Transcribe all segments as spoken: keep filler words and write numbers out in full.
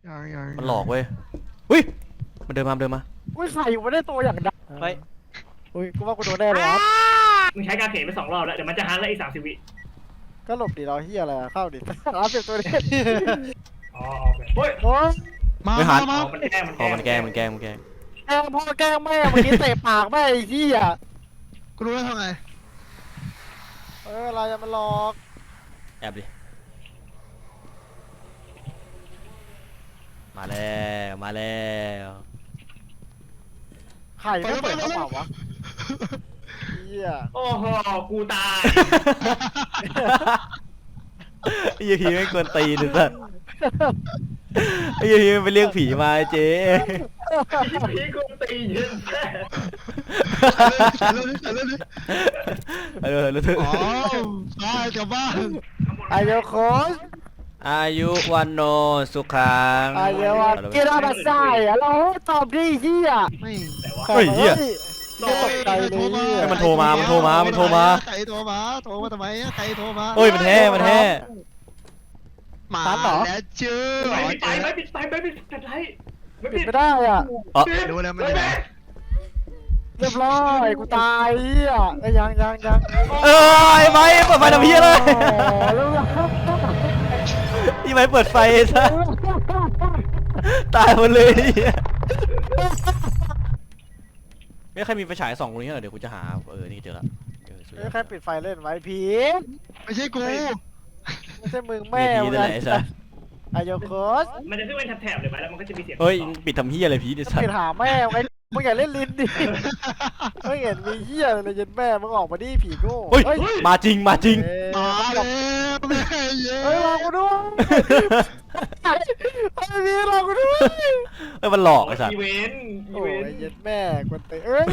ยังยังมันหลอกเว้ยอุ้ยมันเดินมาเดินมาอุ้ยใส่อยู่ไม่ได้ตัวอย่างดังเฮ้ยอุ้ยกูว่ากูโดนแน่เลยครับมึงใช้การเขนไปสองรอบแล้วเดี๋ยวมันจะฮันแล้วอีกสามสิบวิก็หลบดิเราเฮียอะไรอะเข้าดิร้านเสียบตัวนี้อ๋อโอเคเฮ้ยโอ้ยมาไม่หันมาอ๋อมันแกล้งมันพอมันแกล้งมันแกล้งมันแกล้งแกล้งพ่อแกล้งแม่เมื่อกี้เตะปากแม่ไอ้เฮียกูรู้แล้วทำไงเอออะไรจะมาหลอกแอบดิมาแล้วมาแล้วไข่ไม่เปิดกระเป๋าวะเฮียโอ้โหกูตายไอ้ยีพีไม่ควรตีเลยสัสไอ้ยีพีมันไปเรียกผีมาเจ๊พี่กูตีเยอะแค่ใส่เรื่องนี้ใส่เรื่องนี้เออรู้สึกอ๋อตายกลับบ้านไอเดียวโค้ชอายุวันโนสุขังไอเดียวว่าเกล้ามาใส่อะเราตอบดิเฮียไม่แต่ว่าเฮ้ยเหี้ยตกใจเลยเฮียให้มันโทรมามันโทรมามันโทรมาใครโทรมาโทรมาทำไมอะใครโทรมาเฮ้ยมันแท้มันแท้มาแล้วเจอไม่ปิดไฟไม่ปิดไฟไม่ปิดปิดไฟไม่ปิดไม่ได้อ่ะอ๋อรู้แล้วมันอยู่ไหนเรียบร้อยกูตายเฮียไอ้ยังยังยังเออไอ้ไม้เปิดไฟทำเพี้ยเลยแล้วไอ้ไม้เปิดไฟซะตายหมดเลยไม่ใครมีไฟฉายส่องตรงนี้เหรอเดี๋ยวกูจะหาเออนี่เจอละเออสวยใครปิดไฟเล่นไว้ผีไม่ใช่กูไม่ใช่มึงแม่แม่ผีนั่นแหละไอ้สัสไอเดียวโค้ชมันจะขึ้นเป็นแถบๆเลยไหมแล้วมันก็จะมีเสียงเฮ้ยปิดทำเฮียอะไรผีดิสัสปิดหาแม่ไงมึงอย่าเล่นลิ้นดิไม่เห็นมีเหี้ยเลยยันแม่มึงออกมาดิผีโง่เฮ้ยมาจริงมาจริงมาแล้วแม่เย้เฮ้ยรอกูด้วยไอ้พี่รอกูด้วยเอ้ยมันหลอกไอ้สัสอีเวนต์อีโอ้เวย นต์ยันแม่กวนเตะเอ้ย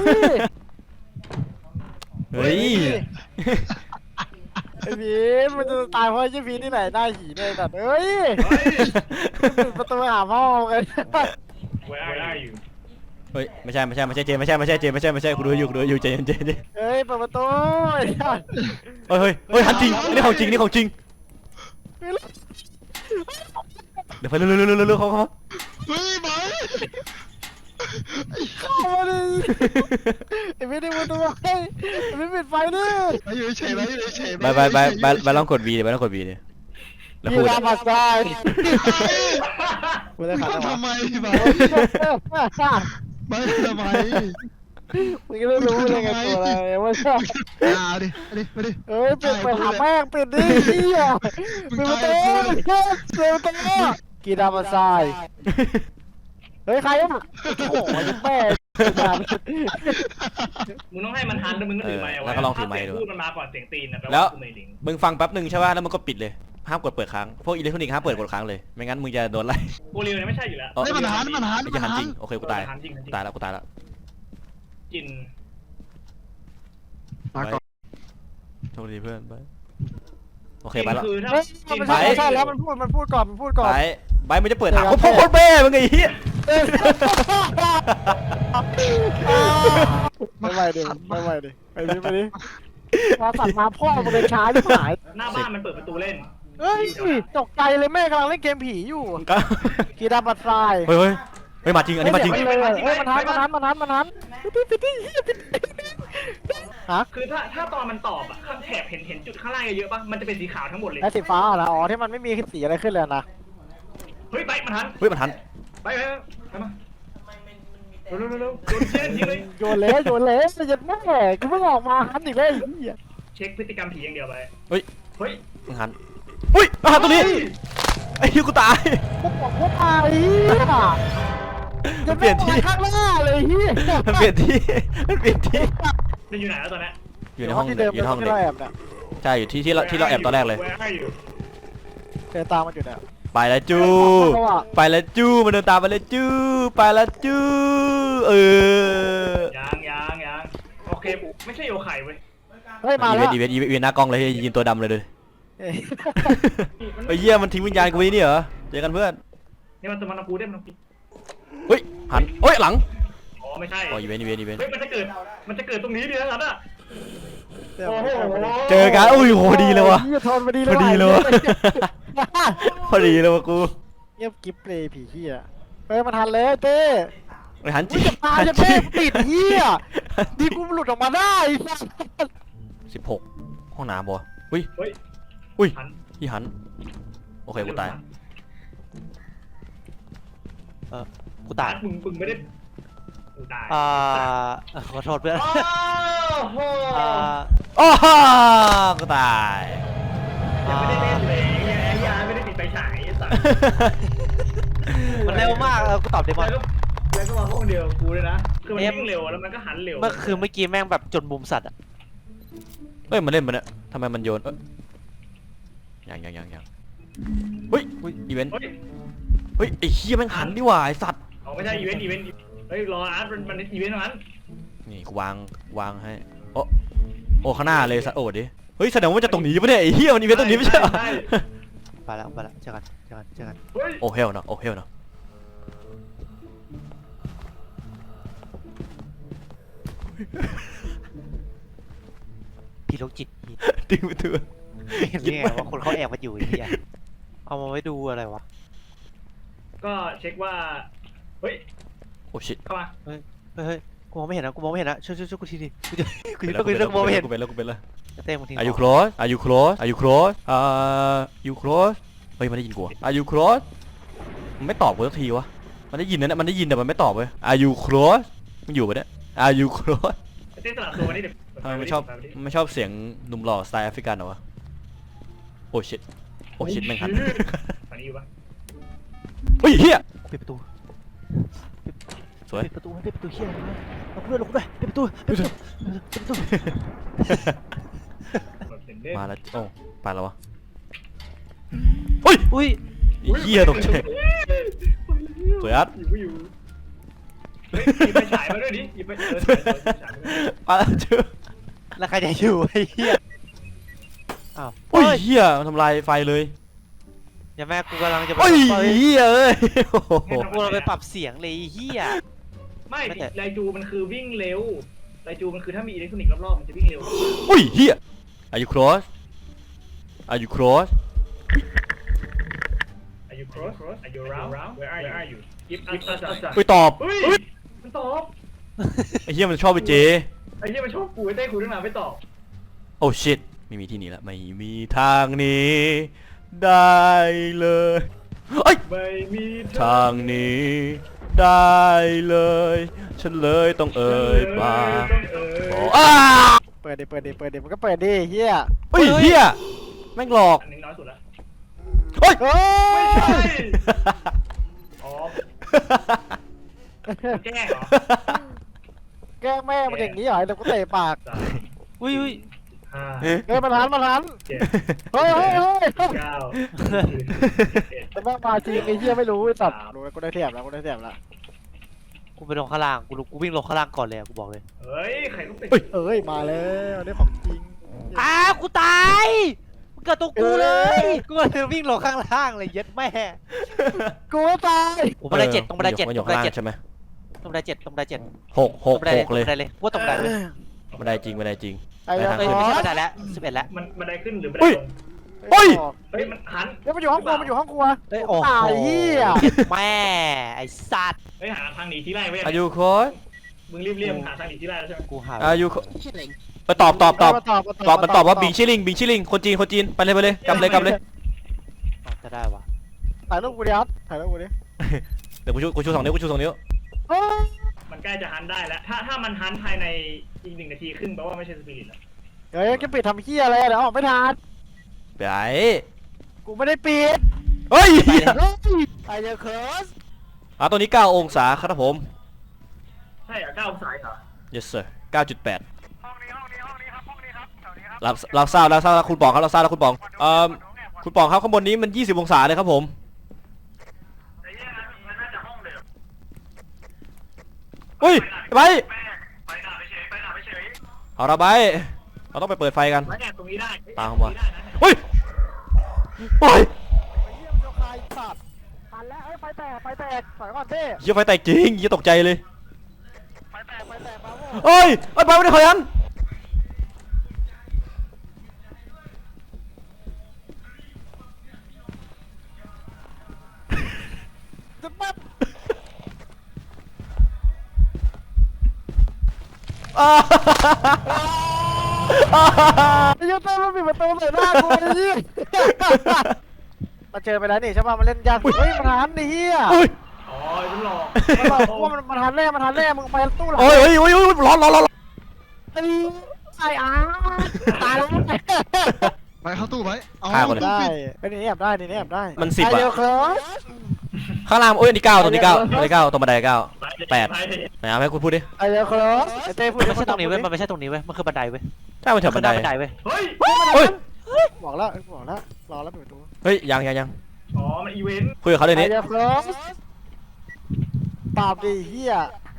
เฮ้ยไอ้พีมันจะตายเพราะไอ้พีที่ไหนหน้าหีเลยแบบเอ้ยปิดประตูหาพ่อกันเว้ยได้อยู่เฮ้ยไม่ใช่ไม่ใช่ไม่ใช่เจไม่ใช่ไม่ใช่เจไม่ใช่ไม่ใช่กูดูอยู่กูดูอยู่เจเจเจเฮ้ยเปิดประตูไอ้สัสเฮ้ยเฮ้ยเฮ้ยหันจริงนี่ของจริงนี่ของจริงเดี๋ยวไปเร็วเร็วเร็วเร็วเร็วเขาเขาเฮ้ยไปเข้ามาดิไอ้พีดึงประตูไอ้ไอ้พีปิดไฟดิไปอยู่เฉยไปอยู่เฉยไปไปไปไปไปลองกด V ดิไปลองกด V ดิแล้วพี่พูดรามาสายกูได้ขาดทำไมไปไปทำไมมึงก็ไม่รู้เลยไงตัวอะไรว่าชอบเอาดิเอาดิมาดิเอ้ยปิดไปหาแม่งปิดดิเฮียปิดประตูปิดประตูกีรามาสายเฮ้ยใครอ่ะโอ้โหแม่มึงต้องให้มันฮันแล้วมึงก็ถือไมค์เอาไว้พูดมันมาก่อนเสียงตีนนะแปลว่ากูไม่ลิงมึงฟังแป๊บหนึ่งใช่ป่ะแล้วมึงก็ปิดเลยห้ามกดเปิดค้างพวกอิเล็กทรอนิกส์ห้ามเปิดกดค้างเลยไม่งั้นมึงจะโดนไล่กูเรียวเนี่ยไม่ใช่อยู่แล้วไม่มันหันมันหันไม่มัใช่นหันหัจรินงโอเคกูตายตายแล้วกูตายแล้วจินมาก่อนโชคดีเพื่อนไปโอเคไปแล้วคือถ้าเฮ้ยมันใช่ใช่แล้วมันพูดมันพูดก่อนมันพูดก่อนไปไปมึงจะเปิดถามพ่อพ่อแม่มึงไอ้เหี้ยไม่ไหวดิไม่ไหวดิไปดิไปดิมาตัดมาพ่อมันเลยช้าที่หายหน้าบ้านมันเปิดประตูเล่นเฮ้ยตกใจเลยแม่กำลังเล่นเกมผีอยู่ก็กีดาบัตรายเฮ้ยเฮ้ยเฮ้ยมาจริงอันนี้มาจริงเฮ้ยเฮ้ยมันทันมันทันมันทันมันทันฮะคือถ้าถ้าตอนมันตอบอะข้างแถบเห็นเห็นจุดข้างล่างเยอะๆป่ะมันจะเป็นสีขาวทั้งหมดเลยไอ้สีฟ้าเหรออ๋อที่มันไม่มีสีอะไรขึ้นเลยนะเฮ้ยไปมันทันเฮ้ยมันทันไปไปไปมาเร็วเร็วเร็วโดนเชี่ยทิ้งเลยโยนเละโยนเละจะยัดแม่กูเพิ่งออกมาหันอีกเลยเช็คพฤติกรรมผีอย่างเดียวไปเฮ้ยเฮ้ยมันทันอุ้ยมาตัวนี้ไอ้เหี้ยกูตายพวกบอกพวกตายจะเปลี่ยนที่ข้างหน้าเลยเฮียมันเปลี่ยนที่มันเปลี่ยนที่มันอยู่ไหนแล้วตอนนี้อยู่ในห้องที่เด็เดิกมอยู่ในห้องที่เด็กเราแอบเนี่ยใช่อยู่ที่ที่เราที่เราแอบตอนแรกเลยเดินตามมันอยู่เนี่ยไปแล้วจู้ไปแล้วจู้มันเดินตามไปแล้วจู้ไปแล้วจู้เออยังยังยังโอเคไม่ใช่โยไข่เว้ยเฮ้ยมาอีเวแล้วนต์อีเวนต์อีเวนต์หน้ากล้องเลยยินตัวดำเลยเลยไอ้เหี้ยมันทิ้งวิญญาณกูไว้นี่เหรอเจอกันเพื่อนนี่มันตัวมันกูได้มันกูเฮ้ยหันเฮ้ยหลังอ๋อไม่ใช่อ๋ออีเวนต์อีเวนต์อีเวนต์เฮ้ยมันจะเกิดมันจะเกิดตรงนี้ดินะอ่ะโอ้โหเจอกันอุ้ยโหดีเลยวะทนมาดีเลพยอดีเลยวะพอดีเลยวะกูเงียบกิ๊บเลยผีเฮียเฮ้ยมาทันเลยเต้ไอ้หันอุ้จียจะตายจะเต้ติดเฮียดีกูหลุดออกมาได้ไอ้สัสสิบหกห้องน้ำบ่อุ้ยเฮ้ยอุ้ยหันพี่หันโอเคกูตายกูตายมึงมึงไม่ได้กูตายอ่าขอโทษเพื่อนโอ้โหอ่าโอ้ฮ่ากูตายยังไม่ได้เล่นเลยไอ้ยาไม่ได้ติดไฟฉายไอ้สัสมันเร็วมากเออกูตอบเดมอนแล้วก็แล้วก็มาห้องเดียวกับกูเลยนะคือมันวิ่งเร็วแล้วมันก็หันเร็วเมื่อคือเมื่อกี้แม่งแบบจนมุมสัตว์อะเฮ้ยมันเล่นมันเนี่ยทำไมมันโยนเอ้ยยังยังยังยังเฮ้ยอีเวนต์เฮ้ยเฮ้ยไอ้เหี้ยแม่งหันดีหว่าไอ้สัตว์เอาไม่ใช่อีเวนต์อีเวนต์เฮ้ยรออาร์ตมันมันอีเวนต์เท่านั้นนี่กูวางวางให้โอ้โอ้ข้างหน้าเลยสัตว์โอ้ดิเฮ้ยแสดงว่ามันจะตรงนี้ปะเนี่ยไอ้เหี้ยมันอีเวนต์ตรงนี้ไม่ใช่เหรอไปแล้วไปแล้วเจอกันเจอกันเจอกันเฮ้ยโอ้เฮลเนาะโอ้เฮลเนาะพี่โรคจิตพี่ดึงไปเถอะเห็นไงว่าคนเขาแอบมาอยู่ไอ้เหี้ยเอามาไว้ดูอะไรวะก็เช็คว่าเฮ้ยโอ้ชิตเข้ามาเฮ้ยเฮ้ยกูมองไม่เห็นนะกูมองไม่เห็นนะช่วยช่วยช่วยกูทีดิกูจะกูจะกูจะมองไม่เห็นกูเป็นแล้วกูเป็นแล้วเต้มึงทิ้ง Are you close Are you close Are you close อ่า you close เฮ้ยมันได้ยินกู Are you close มันไม่ตอบกูสักทีวะมันได้ยินนะเนี่ยมันได้ยินแต่มันไม่ตอบเว้ย Are you close มันอยู่ปะเนี่ย Are you close เต้นสลับตัวนี่เดี๋ยวทำไมไม่ชอบไม่ชอบเสียงหนุ่มหล่อสไตล์แอฟริกันเหรอวะโอ้ชิตโอ้ชิตแม่งหันตอนนี้อยู่ปะเฮ้ยเฮียปิดประตูสวยปิดประตูปิดประตูเฮียเอาเพื่อนลงด้วยปิดประตูปิดประตูปิดประตูแบบเด่นมาแล้วโอ้ไปแล้ววะเฮ้ยอุ้ยเฮียตกใจสวยอัดอยู่อยู่เฮ้ยหยิบไปฉายมาด้วยดิหยิบไปเออฉายฉายมาด้วยมาแล้วเจ้าแล้วใครจะอยู่ไอ้เหี้ยอ้าวโอ้ยเฮียมันทำลายไฟเลยอย่าแม่กูกำลังจะไปโอ้ยเฮ้ยเฮียเอ้ยโอ้โหกูเราไปปรับเสียงเลยไอ้เหี้ยไม่ไม่แต่ไลจูมันคือวิ่งเร็วไลจูมันคือถ้ามีอิเล็กทรอนิกส์รอบๆมันจะวิ่งเร็วโอ้ยเฮีย Are you close Are you close Are you close Are you around Where are you Where are you Give us us us เฮ้ยตอบเฮ้ยมันตอบไอ้เฮียมันชอบไปเจไอ้เหี้ยมันชอบกูไอ้เต้กูตั้งนานไม่ตอบโอ้ชิตไม่มีที่หนี้ละไม่มีทางหนี้ได้เลยเอ้ยไม่มีทางหนี้ได้เลย ฉันเลยต้องเอ่ยปากต้องเอ่ยบอกอ้าเปิดดิเปิดดิเปิดดิมันก็เปิดดิเฮียเฮ้ยเฮียแม่งหลอกอันนี้น้อยสุดละเฮ้ยเฮ้ไม่ยใช่อ๋อแกล้งเหรอแกล้งแม่มันอย่างนี้เหรอเดี๋ยวกูเตะปากสามอุ้ยอุ้ยห้าเฮ้ยมันทันมันทันเจ็ดเฮ้ยเฮ้ยเฮ้ยเก้าสิบเอ็ดแต่แม่งมาจริงไอ้เฮียไม่รู้ไอ้สัตว์รู้แล้วกูได้เทียบแล้วกูได้เทียบแล้วกูไปลงข้างล่างกูรู้กูวิ่งลงข้างล่างก่อนเลยอะกูบอกเลยเฮ้ยใครต้องติดเอ้ยมาแล้วนี่ของจริงอ้าวกูตายมึงเกิดตัวกูเลยกูเลยวิ่งลงข้างล่างเลยเย็ดแม่กูก็ตายผมบันไดเจ็ดตรงบันไดเจ็ดมันอตรยู่งบันข้างไดล่างเจ็ดใช่ไหมตรงบันไดเจ็ดตรงบันไดเจ็ดหกหกตรงบันไดหกเลยตรงบันไดเลยว่าตรงบันไดเลยบันไดจริงบันไดจริงไอ้ไปยังทางเอ้ยขึ้นไม่ใช่บันไดแล้วสิบเอ็ดแล้วมันบันไดขึ้นหรือบันเฮ้ไดยลงเฮ้ยเฮ้ยมันหันเดี๋ยวมันอยู่ห้องครัวมันอยู่ห้องครัวเอ้ยโอ้โหตายเฮียเย็ดแม่ไอ้สัตว์เฮ้ยหาทางหนีที่ไล่ไว้ Are you close มึงรีบเรียมหาทางหนีที่ไล่แล้วใช่ไหมกูหา Are you close ไปตอบตอบตอบมาตอบตอบมันตอบว่าบิงชิลิงบิงชิลิงคนจีนคนจีนไปเลยไปเลยกำเลยกำเลยจะได้วะถ่ายรูปกูดิครับถ่ายรูปกูดิเดี๋ยวกูชูกูชูสองนิ้วกูชูสองนิ้วเฮ้ยมันใกล้จะหันได้แล้ว ถ้าถ้ามันหันภายในอีกหนึ่งนาทีครึ่งแปลว่าไม่ใช่สปิริตแล้วเฮ้ยจะปิดทำเฮียอะไรเดี๋ยวออกไม่ทันไปกูไม่ได้ปิดเฮ้ยเฮ้ยไอ้เจ้าเคิร์สอ่ะตัวนี้เก้าองศาครับผมใช่เหรอเก้าองศาเหรอ yes sir เก้าจุดแปดรับรับทราบรับทราบแล้วคุณปองครับรับทราบแล้วคุณปองเอ่อคุณปองครับข้างบนนี้มันยี่สิบองศาเลยครับผมแต่แย่นะมันน่าจะห้องเดิมเฮ้ยไปไปหน้าไปเฉยไปหน้าไปเฉยเอาละไปเราต้องไปเปิดไฟกันมาแอบตรงนี้ได้ตามเข้ามาตรงนี้ได้นะเฮ้ยไปไอ้เฮียมันจะคายสัตว์ทันแล้วไอ้ไฟแตกไฟแตกถอยก่อนเต้เหี้ยไฟแตกจริงเหี้ยตกใจเลยไฟแตกไฟแตกมาโว้เฮ้ยเอ้ยไปไม่ได้ขยันปั๊บอ้าไอ้เหี้ยเต้นมันปิดประตูใส่หน้ากูไอ้เหี้ยมาเจอไปแล้วนี่ใช่ป่ะมันเล่นยากเฮ้ยมันหันไอ้เหี้ยอุ้ยอ๋อมันหลอกมันบอกกูว่ามันมันหันแน่มันหันแน่มึงไปตู้หลังโอ้ยโอ้ยโอ้ยโอ้ยร้อนร้อนร้อนไอ้ไอ้อาตายแล้วไปเข้าตู้ไว้เอาฆ่าคนเลยตู้ได้ปิดไอ้นี่แอบได้นี่แอบได้มันสิบอะไเดียวครับข้างล่างโอ้ยอันนี้เก้าตัวนี้เก้าตัวนี้เก้าตัวบันไดเก้าแปดไหนเอาให้คุณพูดดิไอ้เดียวครับไอ้เต้พูดมันไม่ใช่ตรงนี้เว้ยมันไม่ใช่ตรงนี้เว้ยมันคือบันไดเว้ยใช่มันแถวบันไดบันไดเว้ยเฮ้ยเฮ้ยบอกแล้วบอกแล้วรอแล้วปิดประตูเฮ้ยยังยังยังอ๋อมันอีเวนต์คุยกับเขาเดี๋ยวไอ้นี้เดียวครับตอบดิเฮีย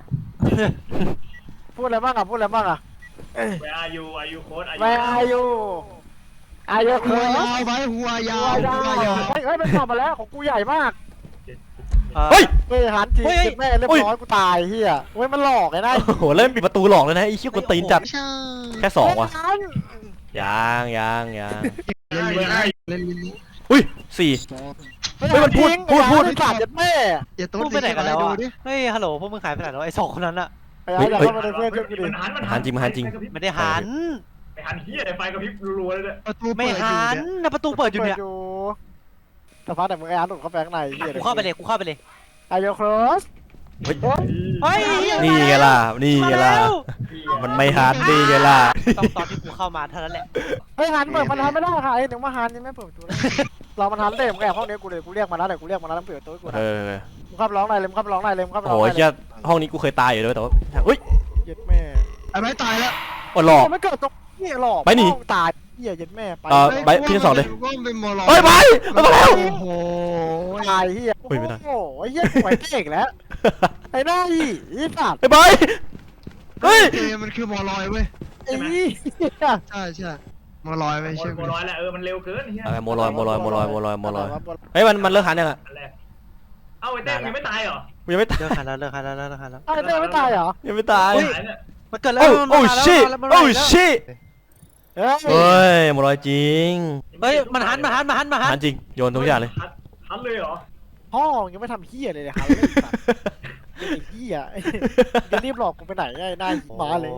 พูดอะไรบ้างอ่ะพูดอะไรบ้างอ่ะแวร์อายุอายุโค้ดอายุไม่อายุอายุคหัวรับยาวไว้หัวยาวหัหัววยาวยาวเฮ้ยเฮ้ยมันตอบมาแล้วของกูใหญ่มากเฮ้ยเฮ้ยหันทีเฮ้ยเจ็บแม่เรียบร้อยกูตายเฮียเฮ้ยมันหลอกไอ้นายโอ้โหเริ่มปิดประตูหลอกเลยนะไอ้ชี้ยคนตีนจัดไม่ใช่แค่สองว่ะหันยังยังยังเล่นลิ้นเล่นลิ้นอุ้ยสี่ เฮ้ยมันพูดพูดพูดไอ้สัตว์เจ็บแม่อย่าโต๊ดพูดไปไหนกันแล้วดูอ่ะดิเฮ้ยฮัลโหลพวกมึงหายไปไหนแล้วไอ้สองคนนั้นอะไอ้ไอ้อย่าเข้ามาในเพื่อนช่วยกูดิมันหันมันหันจริงมันหันจริงไม่ได้หันไปหันเฮียไฟกระพริบรัวๆเลยเนี่ยประตูไม่เปิดอยู่หันเนี่ยนะประตูเปิดอยู่เนี่ยแต่พักแต่มึงไอ้อาร์ตหลุดเข้าไปข้างในเฮียกูเข้าไปเลยกูเข้าไปเลยไอ้โยครสเฮ้ยเฮ้ยนี่ไงล่ะนี่ไงล่ะมันไม่ฮาร์ดนี่ไงล่ะต้องตอนที่กูเข้ามาเท่านั้นแหละเฮ้ยหันเปิดมันหันไม่ได้ค่ะไอ้หนึ่งมาหันยังไม่เปิดประตูเลยเรามันหันเต็มแอบห้องนี้กูเลยกูเรียกมาแล้วแต่กูเรียกมาแล้วต้องเปิดประตูให้กูเอนะอมึงขับร้องหน่อยเลยมึงขับร้องหน่อยเลยมึงขับร้โอ้องโหหน่อยเลเฮียยห้องนี้กูเคยตายอยู่ด้วยแต่ว่าอุ้ยเย็ดแม่ไอ้ไม้ตายแล้วอดหลอกไม่เกิดตรงนี้หรอกไปหนีตายเฮียเย็ดแม่ไปเออ ไปพี่ทั้งสองเลยก็เป็นมอลเฮ้ยไปมันมาแล้วโอ้โหตายเฮียเฮ้ยไม่ได้โอ้โหเฮียสวยเก่งแล้วไอ้หน้าอีอีสัตว์ไอ้บอยเฮ้ยเกมมันคือมอลอยเว้ยไอ้เหี้ยใช่ใช่มอลอยเว้ยโมใช่ไหมร้อยแล้วเออมันเร็วเกินเฮียเอาโมลอยโมลอยโมลอยโมลอยโมลอยเฮ้ยมันมันเลิกหันยังอ่ะอันแรกเอ้าไอ้เต้ยังไม่ตายเหรอกูยังไม่ตายเลิกหันแล้วเลิกหันแล้วเลิกหันแล้วไอ้เต้ไม่ตายเหรอยังไม่ตายหายเนี่ยมันเกิดแล้วโอ้มันโอ้มาแล้วชิมันมาแล้วโอ้ชิเฮ้ยเฮ้ยโมลอยจริงเฮ้ยมันหันมันหันมันหันมันหัหันนจริงโยนทุกอย่างเลยหันหันเลยเหรอพ่อยังไม่ทำเฮียเลยเลยครับไอ้เฮียจะรีบหลอกกูไปไหนไอ้หน้ามาเลย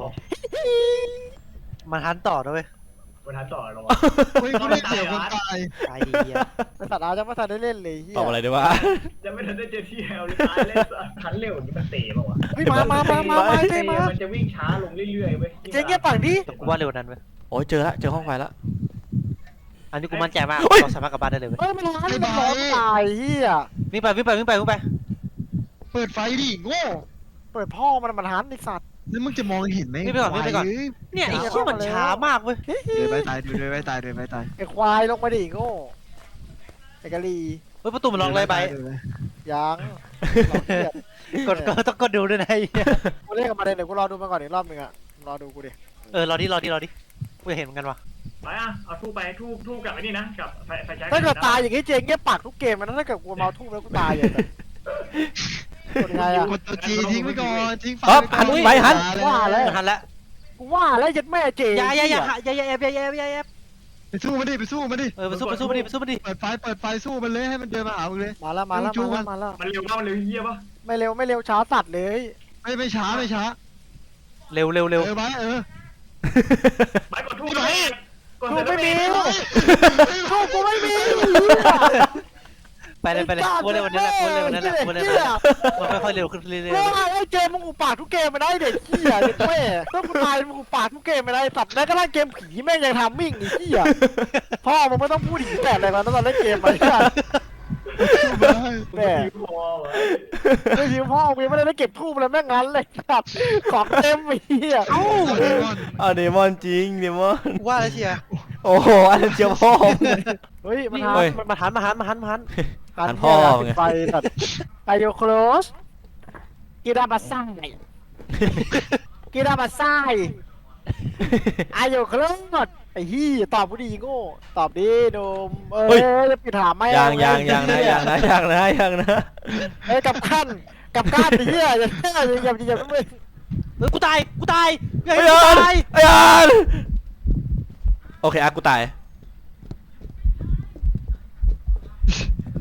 มันหันต่อด้วยเว้ยมันหันต่อเหรอเฮ้ยกูได้เสียคนตายตายดีอ่ะไอ้สัตว์อาจะไม่ทันได้เล่นเลยเฮียตอบอะไรดีวะจะไม่ทันได้เจอที่แอลเลยตายเลยหันเร็วนี่มันเตะป่าวะเฮ้ยมามามามามาเต้มามันจะวิ่งช้าลงเรื่อยๆเว้ยเจ๊เงี้ยฝั่งดิแต่กูว่าเร็วนั้นเว้ยโอ้ยเจอละเจอห้องไฟละอันนี้กูมั่นใจมากเฮ้ยเราสามารถกลับบ้านได้เลยเว้ยเฮ้ยมันร้านมันร้อนตายเฮียวิ่งไปวิ่งไปวิ่งไปวิ่งไปเปิดไฟดิโง่เปิดพ่อมันมันหันไอ้สัตว์แล้วมึงจะมองเห็นไหมวิ่งไปก่อนวิ่งไปก่อนเฮ้ยเนี่ยไอ้เชี่ยมันช้ามากเว้ยเดินไปตายเดินไปตายเดินไปตายไอ้ควายลงมาดิโง่ไอ้กะลีเฮ้ยประตูมันล็อกเลยไปดินปยังกดก็ต้องกดดูด้วยนะไอ้เหี้ยกูเรียกมาเลยเดี๋ยวกูรอดูมาก่อนอีกรอบนึงอะรอดูกูดิเออรอดิรอดิรอดิกูอยากเห็นเหมือนกันว่ะไปอ่ะเอาทูบไปทูบทูบกับไอ้นี่นะกับไฟไฟแช็กถ้าเกิดตายอย่างงี้เจ๊เงี้ยปากทุกเกมมันถ้าเกิดกูเมาทุ่มแล้วกูตายอย่างแบบเป็นไงอะกดตัวจีทิ้งไปก่อนทิ้งไฟอ๊อฟก่อหันไปหันว่าแล้วมันหันแล้วกูว่าแล้วยัดแม่เจ๊อย่าอย่าอย่าอย่าอย่าแอบอย่าอย่าอย่าแอบไปสู้มันดิไปสู้มันดิเออไปสู้ไปสู้มาดิไปสู้มาดิเปิดไฟเปิดไฟสู้มันเลยให้มันเดินมาหามึงเลยมาแล้วมาแล้วมาแล้วมาแล้วมันเร็วป่ะมันเร็วเฮียป่ะไม่เร็วไม่เร็วช้าสัตว์เลยไม่ไม่ช้าไม่ช้าเร็วเร็วเร็วเออไปเออไปกดทูบไปกดกูเสร็จไม่แล้วมีกูกูไม่มีไปเลยไปเลยกูเลยวันนี้แหละกูเลยวันนี้แหละกูเลยวันนี้แหละมันค่อยๆเร็วขึ้นเรื่อยกูว่าไอ้เจมึงอุปากทุกเกมไม่ได้เด็กเหี้ยเด็กแม่ต้องกูตายมึงอุปากทุกเกมไม่ได้สัตว์แม้กระทั่งเกมผีแม่งยังทำมิ่งไอ้เหี้ยพ่อมึงไม่ต้องพูดผีแต่อะไรมาตอนเล่นเกมไปกันแม่พอวะไม่หิวพ่อมึงไม่ได้เก็บทูบเลยแม่งงั้นเลยสัตว์ของเต็มไอ้เหี้ยเอ้าอ่ะเดมอนจริงเดมอนกูว่าแล้วเชียร์โอ้โหอันนั้นเจียวพ่อมเฮ้ยมันเฮ้ยมันมาหันมาหันมาหันมาหันหันพ่อมึงไงไปสัตว์อายุโคลสกีดาบาซ่ากีดาบาซ่าอายุโคลสไอ้ฮี่ตอบกูดีโง่ตอบดีโดมเออจะปิดถามไหมยังยังยังนะยังนะยังนะยังนะเอ้ยกับขั้นกับขั้นไอ้เหี้ยอย่าอย่าอย่าอย่าไม่เฮ้ยกูตายกูตายเฮ้ยไอ้กูยันตายไอ้ยันโอเคอ่ะกูตาย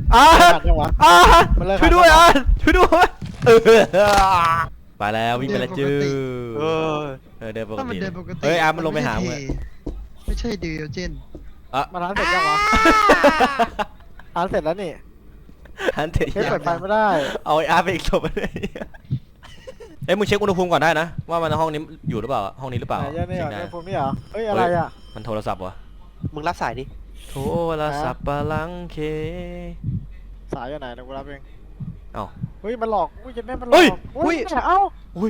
อ่าขัดยังวะอ่ามันเลิกช่วยด้วยขัดอ่ะช่วยด้วยเออไปแล้ววิ่งไปแล้วจื้อเออเออเดินปกถ้ามันติเดินปกติเฮ้ยอาร์มมันลงไปหาไใช่มึงเทไม่ใช่เดียวเจนอ่ะมันร้านเสร็จยังวะร้านเสร็จแล้วนี่ฮันเตะเฮ้ยเปิดไฟไม่ได้เอาไอ้อาร์ไปอีกศพเลยเอ้ยมึงเช็คอุณหภูมิก่อนได้นะว่ามันห้องนี้อยู่หรือเปล่าห้องนี้หรือเปล่าไหนเยอะนี่เหรอเช็คในได้ภูมินี่เหรอเฮ้ยอะไรอ่ะมันโทรศัพท์วะมึงรับสายดิโทรศัพท์ปะลังเคสายอยู่ไหนเดี๋ยวกูรับเองเอ้าเฮ้ยมันหลอกอุ้ยจะแม่มันหลเฮ้อย กอุ้ยเอ้าอุ้ย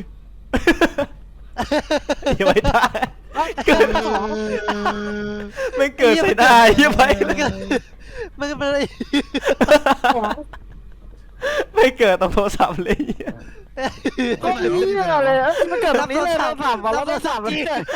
อย่าไว้ได้เกิดไม่เกิดใส่ได้ยังไงมันก็มันก็เป็นอะไรไม่เกิดตรงโทรศัพท์เลยก็อย่างนี้เลยเอ้ยมันเกิดตรงนี้เลยเราถามมาแล้วเราถามมันเกิด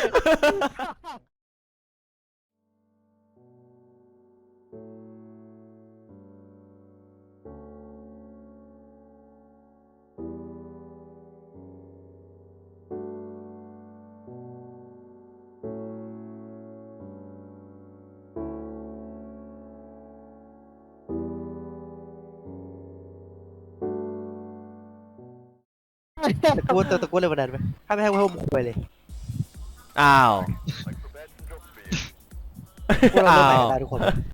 ตะโกนตะโกนเลยวันนั้นไหมถ้าไม่ให้พวกมึงคุยเลยอ้าวพวกเราเริ่มใหม่ได้ทุกคน